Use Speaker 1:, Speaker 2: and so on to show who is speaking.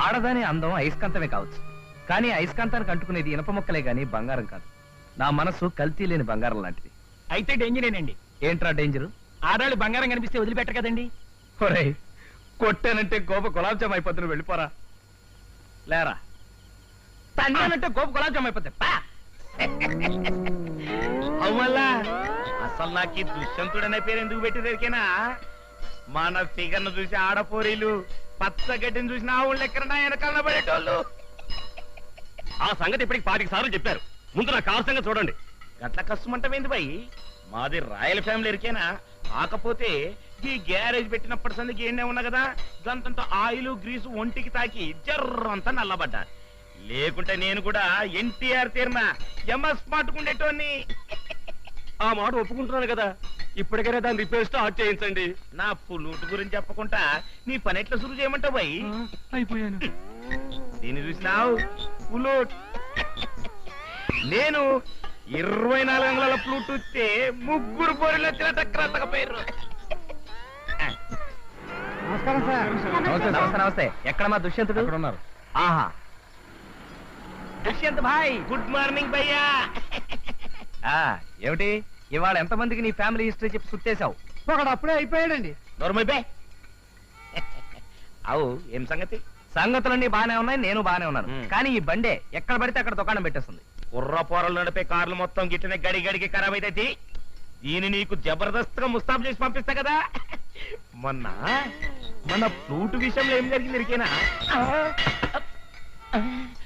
Speaker 1: ఆడదాని అందం అయస్కాంతమే కావచ్చు, కానీ అయస్కాంతానికి అంటుకునేది ఇనప మొక్కలే గాని బంగారం కాదు. నా మనసు కల్తీ లేని బంగారం లాంటిది.
Speaker 2: అయితే డేంజరేనండి.
Speaker 1: ఏంట్రా డేంజరు?
Speaker 2: ఆడాళ్ళు బంగారం కనిపిస్తే వదిలిపెట్టరు కదండి.
Speaker 1: ఒరేయ్, కొట్టానంటే గోప గులాబ్ జామ్ అయిపోతుంది, వెళ్ళిపోరా. లేరా, తన్నానంటే గోప గులాబ్ జామ్ అయిపోతాయి.
Speaker 3: అవ్వల్లా, అసలు నాకు ఈ దుష్యంతుడనే పేరు ఎందుకు పెట్టిదేరికేనా? మన ఫిగర్ ను చూసి ఆడపోరీలు, పచ్చగడ్డిని చూసిన ఆవుళ్ళు ఎక్కడ వెనకాల పడేటోళ్ళు.
Speaker 4: ఆ సంగతి ఇప్పటికి 5 సార్లు చెప్పారు. ముందు నా కారు సంగతి చూడండి.
Speaker 3: గట్ల కష్టమంటమేంది బాయ్? మాది రాయల్ ఫ్యామిలీ ఎరికేనా? కాకపోతే ఈ గ్యారేజ్ పెట్టినప్పటి సందికి ఏండే ఉన్నా కదా, గంతంత ఆయిల్ గ్రీసు ఒంటికి తాకి జర్రంతా నల్లబడ్డా. లేకుంటే నేను కూడా ఎన్టీఆర్ తీరిన ఎంఎస్ పట్టుకుండేటోని.
Speaker 4: ఆ మాట ఒప్పుకుంటున్నాను కదా, ఇప్పటికైనా దాన్ని రిపేర్ స్టార్ట్ చేయించండి.
Speaker 3: నా పుల్లూటు గురించి చెప్పకుండా నీ పని ఎట్లా సురు చేయమంటావు బాయ్?
Speaker 2: అయిపోయాను.
Speaker 3: దీన్ని చూసినావు పుల్లూట్. నేను 24 అంగుళాల ఫ్లూట్ వస్తే 3 పోరీలు వచ్చిన టక్కరంతక పేరు.
Speaker 1: నమస్తే నమస్తే. ఎక్కడ మా దుష్యంతుడు? ఉన్నారు. ఆహా, దుష్యంత్ భాయ్.
Speaker 3: గుడ్ మార్నింగ్ భయ్యా.
Speaker 1: ఏమిటి ఇవాళ ఎంతమందికి నీ ఫ్యామిలీ హిస్టరీ చెప్పి సుట్టేశావు?
Speaker 2: ఒకడు అప్పుడే అయిపోయాడండి.
Speaker 3: నోర్మల్ బే. అవు ఏం సంగతి?
Speaker 1: సంగతులన్నీ బానే ఉన్నాయి, నేను బానే ఉన్నాను. కానీ ఈ బండే ఎక్కడ పడితే అక్కడ దుకాణం పెట్టేస్తుంది.
Speaker 3: కుర్ర పోరలు నడిపే కార్లు మొత్తం గిట్టనే గడి గడికి ఖరాబ్ అయితే దీన్ని నీకు జబర్దస్త్ గా ముస్తాబ్ చేసి పంపిస్తా కదా. మన ఫ్లూట్ విషయంలో ఏం జరిగింది ఇరికేనా?